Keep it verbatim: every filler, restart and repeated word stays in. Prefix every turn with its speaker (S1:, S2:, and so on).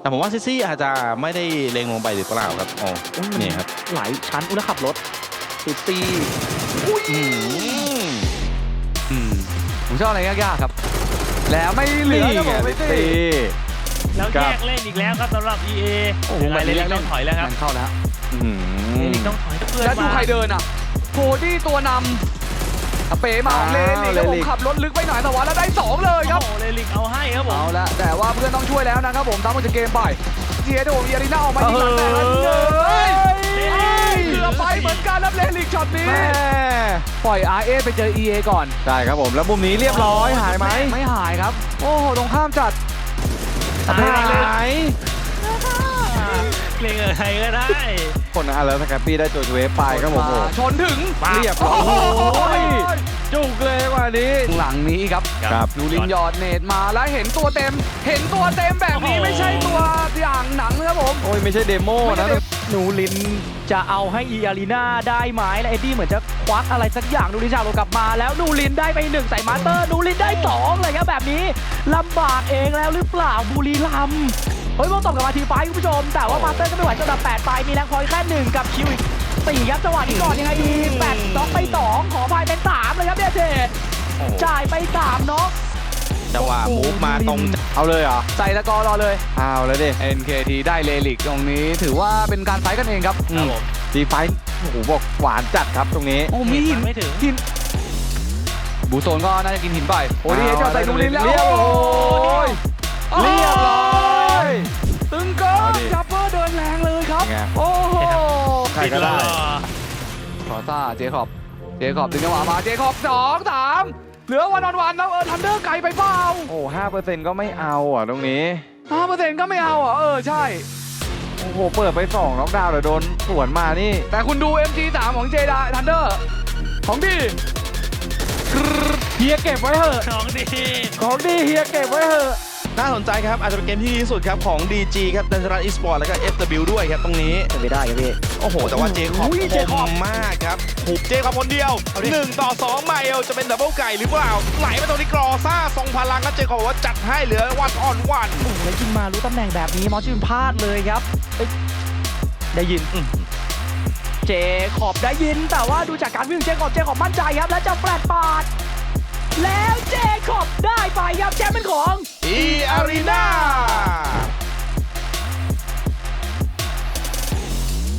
S1: แต่ผมว่าซิซี่อาจจะไม่ได้เล็งลงไปหรือเปล่าครับอ๋อนี่ครับ
S2: หลายชั้นอุณขับรถซิตี้ผมชอบอะไรยากๆครับแล้วไม่เหลือครับผมซิตี้
S3: แล้วแยกเล่นอีกแล้วครับสำหรับ อี เอ
S2: โอ้โห
S3: เลลิกต้องถอยแล้วครับ
S2: เข้าแล้ว
S3: เลลิกต้องถอยเพื่อน
S2: แล้วดูใครเดินอ่ะโคดี้ตัวนำเป๋มาเลลิกแล้วผมขับรถลึกไปหน่อยแต่ว่าแล้วได้สองเลยครับ
S3: โอ้เลลิกเอาให้ครับผม
S2: เอาละแต่ว่าเพื่อนต้องช่วยแล้วนะครับผมตามมาจากเกมไปเจียโดเยริน่าออกมายิงหลังแต่ละเลยเกือบไปเหมือนกันแล้วเลลิกช็อตนี้ปล่อย อาร์ เอ ไปเจอ อี เอ ก่อน
S4: ใช่ครับผมแล้วมุมนี้เรียบร้อยหายไหม
S2: ไม่หายครับโอ้โหตรงข้ามจัด
S4: หาย
S3: เล่นอะไรก็ได้
S4: คนอ่ะแล้วสแคปปี้ได้ตัวเวฟไปครับผม
S2: ชนถึง
S4: เรียบร้อยจุกเลยกว่านี้
S2: หลังนี้ครับ
S4: ครับ
S2: นูรินยอดเนตมาแล้วเห็นตัวเต็มเห็นตัวเต็มแบบนี้ไม่ใช่ตัวอย่างหนังนะครับผม
S4: โอ้ยไม่ใช่เดโมนะ
S2: นูรินจะเอาให้อีอารีนาได้ไหมและเอ็ดดี้เหมือนจะควักอะไรสักอย่างนูรินชาโลกลับมาแล้วนูรินได้ไปหนึ่งใส่มาสเตอร์นูรินได้สองเลยครับแบบนี้ลำบากเองแล้วหรือเปล่าบุรีรัมย์เฮ้ยมองตบกับมาทีไฟคุณผู้ชมแต่ว่ามาสเตอร์ก็ไม่ไหวสำหรับแปดไปมีแรงพอยแค่หนึ่งกับคิวอีกสี่ครับจังหวะนี้ก่อนยังไงดีแปดน็อกไปสองขอพายเป็นสามเลยครับเดชเดชจ่ายไปสามน็อก
S1: จังหวะมูฟมาตรง
S4: เอาเลยเหรอ
S2: ใส่ตะกอรอเลย
S4: เอาเลยดิ
S2: เอ็น เค ที ได้เลลิกตรงนี้ถือว่าเป็นการไฟกันเองครับ
S4: ดีไฟโอ้โหบอกหวานจัดครับตรงนี้
S2: โอ้มีหิน
S3: ไม่ถึง
S2: หินบูโซนก็น่าจะกินหินไปโอ้ยเจ้าใส่นูรินแล้ว
S4: เรียบร้อยเรียบร้อย
S2: ตึงเกินจับเปอร์เดินแรงเลยครับโอ้โห
S4: ใครก็ได้
S2: ขอต้าเจคอบเจคอบดึงจังหวะมาเจคอบสองสามเหลือวันวันแล้วเออทันเดอร์ไกลไปเปล่า
S4: โอ้ห้าเปอร์เซ็นต์ก็ไม่เอาอ่ะตรงนี้
S2: ห้าเปอร์เซ็นต์ก็ไม่เอาอ่ะเออใช่
S4: โอ้โหเปิดไปสองน็อกดาวน์แต่โดนสวนมานี่
S2: แต่คุณดู เอ็ม จี สาม ของเจดาทันเดอร์ของดี
S4: เฮียเก็บไว้เถอะ
S3: ของดี
S4: ของดีเฮียเก็บไว้เถอะ
S1: น่าสนใจครับอาจจะเป็นเกมที่ดีที่สุดครับของ ดี จี ครับดันรัตอีสปอร์ตแล้วก็ เอฟ ดับเบิลยู ด้วยครับตรงนี้
S2: จะไม่ได้ครับพี่
S1: โอ้โหแต่ว่าเจคอบคมมากครับถูกเจคอบคนเดียวหนึ่งต่อสองไมล์จะเป็นดับเบิลไก่หรือเปล่าไหลมาตรงนี้กรอซ่าทรงพลังครับเจคอบบอกว่าจัดให้เหลือวันอ่อนวัน
S2: โอ้โหแล้วยิงมารู้ตำแหน่งแบบนี้มอสชินพลาดเลยครับได้ยินเจคอบได้ยินแต่ว่าดูจากการวิ่งเจคอบเจคอบมั่นใจครับและจะแฟลตปาดแล้วเจคอบได้ไปครับแชมป์เป็นของ
S1: อีอารีนา